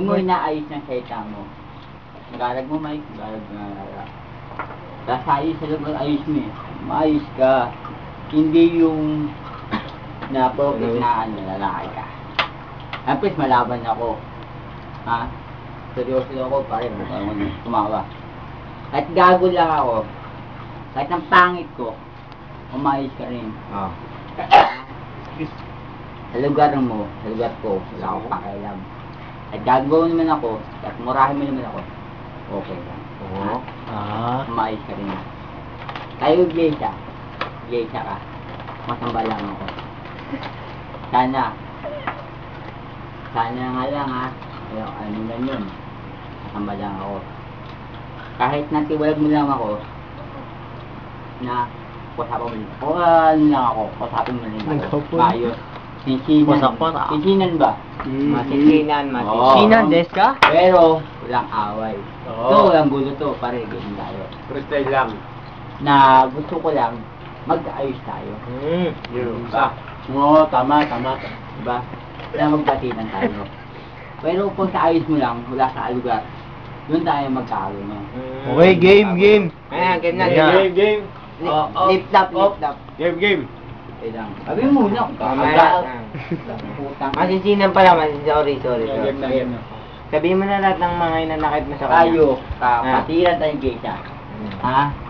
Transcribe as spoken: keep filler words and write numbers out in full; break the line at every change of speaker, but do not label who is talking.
Hindi mo inaayos ng salita mo. Nagalag mo, Mike. Nagalag mo, nagalag. Tapos ayos sa loob, ayos mo eh. Maayos ka. Hindi yung na-profit na ano, lalaki ka. Tapos malaban ako. Ha? Seryoso ako, pare. Parang tumawa. Kahit gago lang ako. Kahit ang pangit ko, umayos ka rin.
Oh.
Sa lugar mo, sa lugar ko, wala akong pakialam. At gagawa naman ako, at murahin mo naman ako, okay lang.
Oo.
Ah.
Umayos ka rin. Tayo, Geisha. Geisha ka. Masamba lang ako. Sana. Sana nga lang ha. Ano, ano lang yun. Masamba lang ako. Kahit natiwalag mo lang ako, na kusapin mo lang. O ano lang ako, kusapin mo lang ako. Ayos. Sinsinan. Sinsinan ba?
Masinsinan,
Oo.
Sinan, des ka?
Pero, walang away.
Oo.
Ito, walang gulo to. Pare, ganyan tayo.
Freestyle lang.
Na gusto ko lang, mag-ayos tayo.
Hmm.
Yun.
Diba?
Oo, tama, tama.
Diba? Na magbatinan tayo. Pero kung sa ayos mo lang, wala sa lugar, doon tayo magkakaroon. No?
Okay, game, game.
Ayan, game na,
Yeah.
game, game.
Oh, oh.
Lift up, lift up.
Game, game.
Okay lang. Sabi mo muna kung
Tama
kakagal.
yan.
Putang.
Masinsinan pala, man. Sorry, sorry. sorry.
Game na, game na.
Sabihin mo na lahat ng mga inanakit mo sa kanya.
Tayo, kapatiran tayong geisha.
Hmm.
Ha?